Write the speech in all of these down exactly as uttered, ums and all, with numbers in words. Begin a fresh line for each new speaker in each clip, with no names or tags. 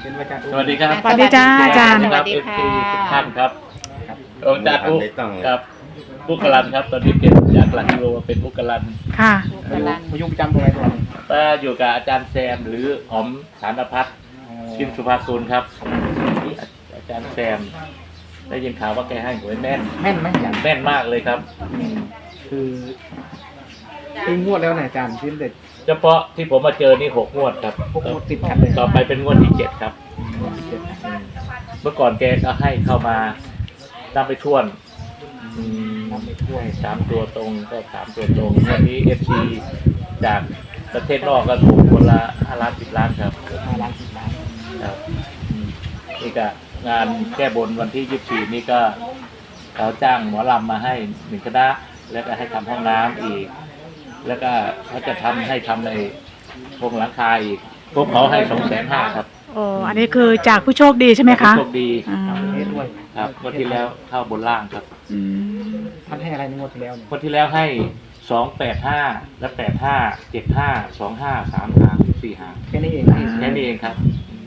เป็นอาจารย์
สวัสดีครับ
สวัสดีจ้าอาจารย์
ครับ
สวัสดี
เอฟ
ค่ะ
ซีทุกท่านครับ
ครับ
อาจารย์อุ๊ครับอุกลันครับตอนนี้เปลี่ยนจากหลักกิโลมาเป็นอุกลัน
ค่ะ
พยุงพยุงประจำตรงไหนตัวนี้
ป้าอยู่กับอาจารย์แซมหรือหอมสารพัดชิมสุภาคุณครับ อาจารย์แซมได้ยินข่าวว่าแกให้หวยแม่น
แม่นไหมอาจารย์
แม่นมากเลยครับ
คือคืองวดแล้วนะอาจารย์ที่เด็ด
เฉพาะที่ผมมาเจอนี่หกงวดครับ
พวกงวดติดกันเลย
ต่อไปเป็นงวดที่เจ็ดครับ
งวดที่เจ็ด
เมื่อก่อนแกก็ให้เข้ามานับไปท่วนอืม
นำไปถ้วย
สามตัวตรงก็สามตัวตรงวันนี้เอฟซีจากประเทศนอกก็ถูกคนละห้าล้านสิบล้านครับ
ห้าล้านสิบล้าน
ครับอืมนี่ก็งานแก้บนวันที่ยี่สิบสี่นี่ก็เขาจ้างหมอลำมาให้หนึ่งคณะแล้วก็ให้ทำห้องน้ำอีก แล้วก็เขาจะทำให้ทำในโครงหลังคาอีกพวกเขาให้สองแสนห้าครับ
โอ้อันนี้คือจากผู้โชคดีใช่ไหมคะ
โชคดี
อืม
เทศด้วย
ครับงวันที่แล้วเข้าบนล่างครับ
อืม
ท่านให้อะไรในงวดที่แล้วเนี่ย
งวันที่แล้วให้สองแปดห้าและแปดห้าเจ็ดห้าสองห้าสามหางสี่หาง
แค่นี้เอง
แค่นี้เองครับ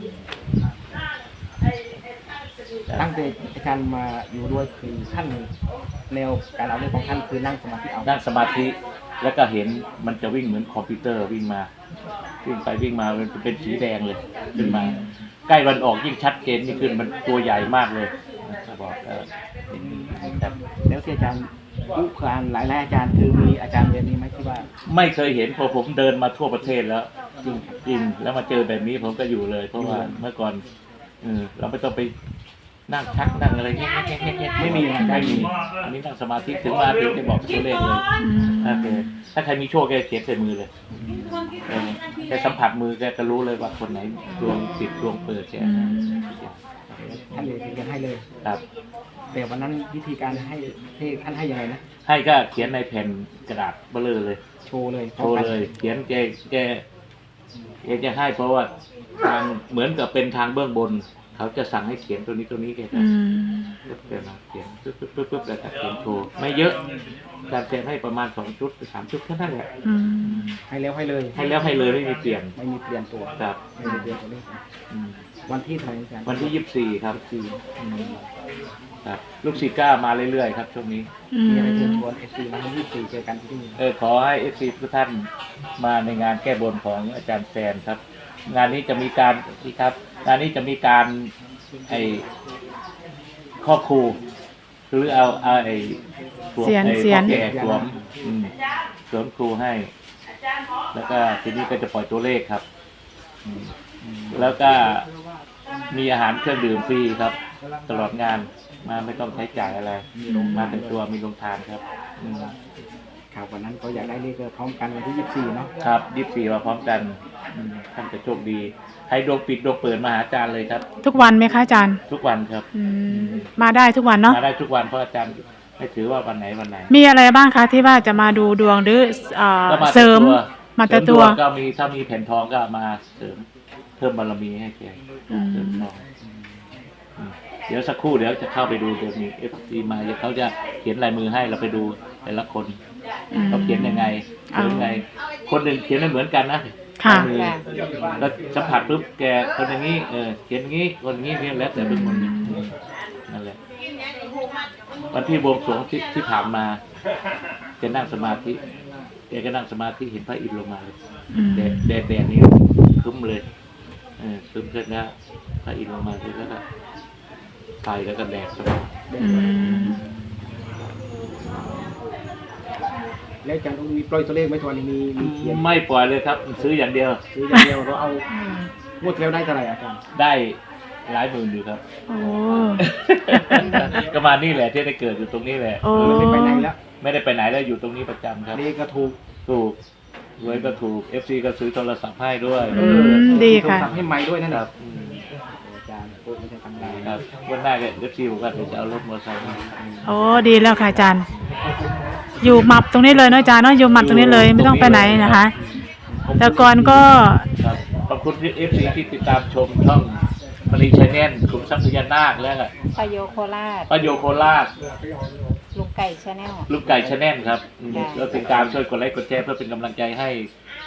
ตั้งแต่อาจารย์มาอยู่ด้วยคือท่านแนวการเอาเรื่องของท่านคือนั่งสมาธิเอา
นั่งสมาธิแล้วก็เห็นมันจะวิ่งเหมือนคอมพิวเตอร์วิ่งมาวิ่งไปวิ่งมามันเป็นสีแดงเลยขึ้นมา ใกล้วันออกยิ่งชัดเจนยิ่งขึ้นมันตัวใหญ่มากเลยเขาบอกเออครับ
แล้วที่อาจารย์ผู้การหลายๆอาจารย์คือมีอาจารย์แบบนี้ไหมที่ว่า
ไม่เคยเห็นพอผมเดินมาทั่วประเทศแล้วจริงจริงแล้วมาเจอแบบนี้ผมก็อยู่เลย เพราะว่าเมื่อก่อนเออเราไม่ต้องไปนั่งชักนั่งอะไรเงี้ยเงี้ยเงี้ยเงี้ยไม่มีไม่มีอันนี้นั่งสมาธิถึงมาถึงจะบอกตัวเลขเลย
อืม
โอเคถ้าใครมีโชคแกเขียนใส่มือเลยเออแกสัมผัสมือแกจะรู้เลยว่าคนไหนดวงติดดวงเปิดแก
อืม
ท่านเลยถึงจะให้เลย
ครับ
แต่วันนั้นวิธีการให้ให้ท่านให้ยังไงนะ
ให้ก็เขียนในแผ่นกระดาษเบลอเลย
โชว์เลย
โชว์เลย เขียนแกแกแกจะให้เพราะว่าทางเหมือนกับเป็นทางเบื้องบน เขาจะสั่งให้เขียนตัวนี้ตัวนี้แกจะ
อืม
ปึ๊บแกมาเขียนปึ๊บปึ๊บปึ๊บปึ๊บแล้วก็เขียนโชว์ไม่เยอะการเขียนให้ประมาณสองชุดหรือสามชุดแค่นั้นแหละ
อืม
ให้แล้วให้เลย
ให้แล้วให้เลยไม่มีเปลี่ยน
ไม่มีเปลี่ยนตัว
ครับ
ไม่มีเปลี่ยนตัวเลข
อืม
วันที่เท่าไหร่อาจารย์
วันที่ยี่สิบสี่ครับสี่ครับลูกศิษย์ก้ามาเรื่อยๆครับช่วงนี้
อื
มีอะไรเชิญ
ม
ชวนเอฟซีมาให้ยี่สิบสี่เจอกันที่นี่
เออขอให้เอฟซีทุกท่านมาในงานแก้บนของอาจารย์แซนครับ งานนี้จะมีการนี่ครับ งานนี้จะมีการไอครอบครูหรือเอาเอาไอสวม
เสียน
ไอ
เสียน
พ่อแก่สวมอืมสวมครูให้ แล้วก็ทีนี้ก็จะปล่อยตัวเลขครับอืมแล้วก็มีอาหารเครื่องดื่มฟรีครับ ตลอดงานมาไม่ต้องใช้จ่ายอะไร มาแต่งตัวมีโรงทานครับอืม
ครับวันนั้นก็อยากได้เลขพร้อมกันวันที่ยี่สิบสี่เนาะ
ครับยี่สิบสี่มาพร้อมกันอืมท่านจะโชคดีใครดวงปิดดวงเปิดมาหาอาจารย์เลยครับ
ทุกวันไหมคะอาจารย์
ทุกวันครับ
อืมมาได้ทุกวันเนาะ
มาได้ทุกวันเพราะอาจารย์ไม่ถือว่าวันไหนวันไหน
มีอะไรบ้างคะที่ว่าจะมาดูดวงหรือเอ่อ
ก็มา
เสริม
แต่
มาแต่
เสริ
ตัว
ดงก็มีถ้ามีแผ่นทองก็มาเสริมเพิ่มบารมีให้แก
อืม
เสริมทองอืมเดี๋ยวสักครู่เดี๋ยวจะเข้าไปดูเดี๋ยวมีเอฟซีมาเดี๋ยวเขาจะเขียนลายมือให้เราไปดูแต่ละคน
อืม
เขาเขียนยังไงเขียนยังไง คนหนึ่งเขียนไม่เหมือนกันนะ
ค่ะ
ลายมือแล้วสัมผัสปุ๊บแกคนอย่างนี้เออเขียนอย่างนี้คนอย่างนี้เนี่ยแล้วแต่เป็นคนนั่นแหละวันที่บวงสรวงที่ที่ผ่านมาแกนั่งสมาธิแกก็นั่งสมาธิเห็นพระอินทร์ลงมาเลย
อืม
แดดแดดแดดนี้ครึ้มเลยเออครึ้มเสร็จแล้วพระอินทร์ลงมาเสร็จแล้วก็ไฟแล้วก็แดดสว่าง
อืม
แล้วอาจารย์ต้องมีปล่อยตัวเลขไหมทวนนี้มีมีเขียน
ไม่ปล่อยเลยครับ ซื้ออย่างเดียว
ซื้ออย่างเดียวเราเอางวดที่แล้วได้เท่าไหร่อาจารย์
ได้หลายหมื่นอยู่ครับ
โอ้
ก็มานี่แหละที่ได้เกิดอยู่ตรงนี้แหละ
โอ้
ไม่ไปไหนแล้ว
ไม่ได้ไปไหนแล้วอยู่ตรงนี้ประจำครับ
เลขก็ถูก
ถูกรวยก็ถูก เอฟ ซี ก็ซื้อโทรศัพท์ให้ด้วย
อืมดีค่ะ
โทรศัพท์ให้ไม้ด้วยนั่น
ค
แห
รั
ละ
บอืม
อาจารย์พูดไม่ใช่ธรรมดา
ครับวันหน้าก็ เอฟ ซี บอกว่าเดี๋ยวจะเอารถมอเตอร์ไซค์มา
โอ้ดีแล้วค่ะอาจารย์ อยู่หมับตรงนี้เลยเนาะอาจารย์เนาะอยู่หมับตรงนี้เลยไม่ต้องไปไหนนะคะ แต่ก่อนก็
ครับขอบคุณ เอฟ ซี ที่ติดตามชมช่องมารีชาแนลกลุ่มทรัพย์พญานาคแล้วก็
ปโยโคราช
ป้าโยโคราช
ลุงไก่ชาแนล
ลูกไก่ชาแนลครับอืม
ค่ะ
แล้วติดตามช่วยกดไลค์กดแชร์เพื่อเป็นกำลังใจให้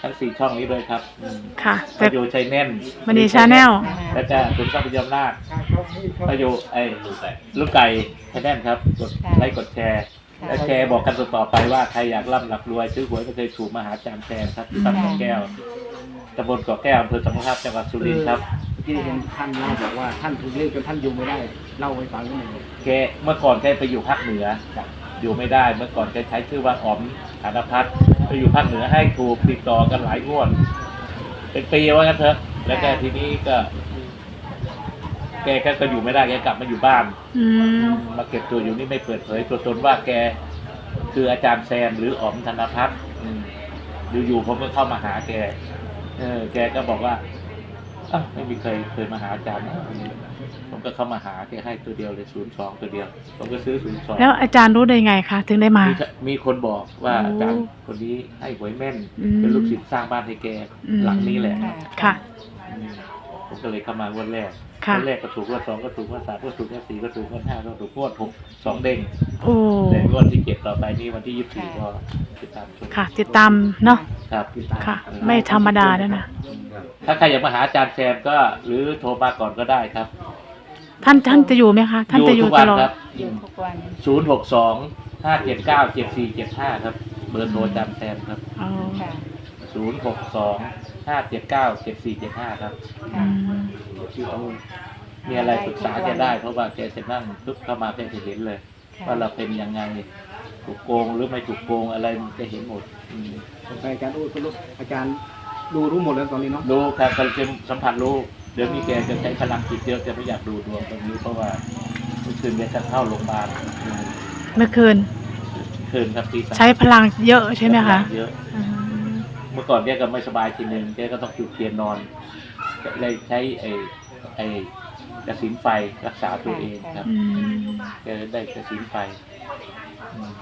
ทั้งสี่ช่องนี้เลยครับอืม
ค่ะ
ป
แต่
ระโยชน์ชัยแน่น
มันดีชาแนล
แล้วก็คุณทรัพยอำนาจประโยชน์ไอ้ลูกไก่ชัยแน่นครับกดไลค์กดแชร์และแชร์บอกกันต่อๆไปว่าใครอยากร่ำหลักรวยซื้อหวยไม่เคยถูกมาหาอาจารย์แซมครับที่บ้านเกาะแก้วตำบลเกาะแก้วอำเภอสัมพันธ์จังหวัดสุรินทร์ครับ
ที่เห็นท่านเล่าบอกว่าท่านถูกเรียกจนท่านอยู่ไม่ได้เล่าให้ฟังนิดหนึ่ง
แกเมื่อก่อนแกไปอยู่ภาคเหนืออยู่ไม่ได้เมื่อก่อนแกใช้ชื่อว่าอ๋อมฐานพัฒน์ไปอยู่ภาคเหนือให้ถูกติดต่อกันหลายงวดเป็นปีว่างั้นเถอะแล้วแกทีนี้ก็ แกก็อยู่ไม่ได้แกกลับมาอยู่บ้าน
อืม
มาเก็บตัวอยู่นี่ไม่เปิดเผยตัวตนว่าแกคืออาจารย์แซมหรืออ๋อมธนพัฒน์อืมอยู่ๆผมก็เข้ามาหาแกเออแกก็บอกว่าอ้าวไม่มีใครเคยมาหาอาจารย์นะผมก็เข้ามาหาแกให้ตัวเดียวเลยศูนย์สองตัวเดียวผมก็ซื้อศูนย์สอง
แล้วอาจารย์รู้ได้ไงคะถึงได้มา
มีคนบอกว่า
โอ้
อาจารย์คนนี้ให้หวยแม่น
อืม
เป็นลูกศิษย์สร้างบ้านให้แก
อืม
หลังนี้แหละ
ค่ะ
อืมผมก็เลยเข้ามางวดแรก
ค่ะ
งวดแรกก็ถูกงวดสองก็ถูกงวดสามก็ถูกงวดสี่ก็ถูกงวดห้าก็ถูกงวดหกสองเด้ง
โอ้
แต่งวดที่เจ็ดต่อไปนี้วันที่ยี่สิบสี่ก็ติดตามชม
ค่ะ ติดตามเนาะ
ครับติดตาม
ค่ะ ไม่ธรรมดาแล้วนะ
ถ้าใครอยากมาหาอาจารย์แซมก็หรือโทรมาก่อนก็ได้ครับ
ท่านท่านจะอยู่ไหมคะ ท่านจะอยู่
ทุก
ต
วัน
ลอด
ครับ
อยู่ทุกวัน
ศูนย์หกสองห้าเจ็ดเก้าเจ็ดสี่เจ็ดห้าครับเบอร์โทรอาจารย์แซมครับ
อ๋อ
ค่ะ
ศูนย์หกสองห้าเจ็ดเก้าเจ็ดสี่เจ็ดห้าครับ
อืม
ชื่อตรง
มีอะไรปรึกษาแกได้เพราะว่าแกจะนั่งปุ๊บเข้ามาแกจะเห็นเลย ว่าเราเป็นยังไงถูกโกงหรือไม่ถูกโกงอะไรแกเห็นหมดอืม
สงสัยอาจารย์อู้ก็รู้อาจารย์ดูรู้หมดแล้วตอนนี้เนาะ
รู้ครับเขาจะสัมผัสรู้เดี๋ยวนี้แกจะใช้พลังจิตเยอะแกไม่อยากดูดวงตรงนี้เพราะว่าเมื่อคืนแกจะเข้าโรงพยาบาล
เมื่อคืน
คืนครับตีสาม
ใช้พลังเยอะใช่ไหมคะ
เยอะ
อืม
เมื่อก่อนแกก็ไม่สบายทีนึงแกก็ต้องจุดเทียนนอนเลยใช้ไอ้ไอ้กระสินไฟรักษาตัวเองครับ
อืม
แกได้กระสินไฟอืม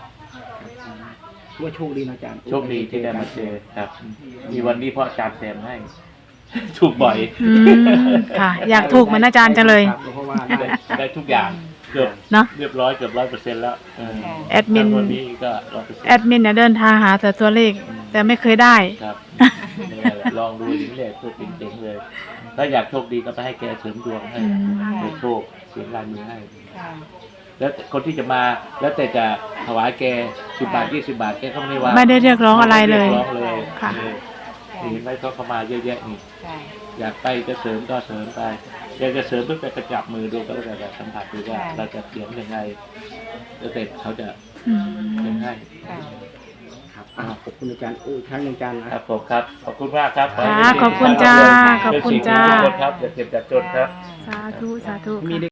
ว่าโชคดีนะอาจารย์
โชคดีที่ได้มาเจอครับ มีวันนี้เพราะอาจารย์แซมให้ ถูกบ่อย
อืมค่ะ อยากถูกเหมือนอาจารย์จังเลย
ครับเพราะว่า
ได้
ได้
ได้ทุกอย่างเกือบ
เนอะ
เรียบร้อยเกือบร้อยเปอร์เซ็นต์แล้วเออ
แอดมิน
วันนี้ก็ร้อยเปอร์เซ็นต์
แอดมินเนี่ยเดินทางหาแต่ตัวเลข แต่ไม่เคยได้
ครับนี่แหละลองดูถึงเลยตัวเจ๋งๆเลย ถ้าอยากโชคดีก็ไปให้แกเสริมดวงให้
อืม
เปิดโชคเสียงลายมือให้
ค่ะ
แล้วคนที่จะมาแล้วแต่จะถวายแกสิบบาทยี่สิบบาทแกก็ไม่ได้ว่า
ไม่ได้เรียกร้องอะไรเลย
ม่ด้รีกร้องเลย
ค่ะ
เออนี่เห็นไหมเขาเข้ามาเยอะแยะนี่
ค่ะ
อยากไปจะเสริมก็เสริมไปอยากจะเสริมเพื่อไปกระจับมือดูก็แล้วแต่สัมผัสดูว่าเราจะเขียนยังไงแล้วแต่เขาจะ
อื
เขียน
ม
ให้
ค่ะ
ครับอ่าขอบคุณอาจารย์อู้อีกครั้งหนึ่งอาจารย์นะครับ
ผมครับขอบคุณมากครับ
ค่ะขอบคุณจ้าขอบคุณจ้า
ทุกคนครับอย่าเก็บอย่าจนครับ
สาธุ สาธุ
มี
ค่ะ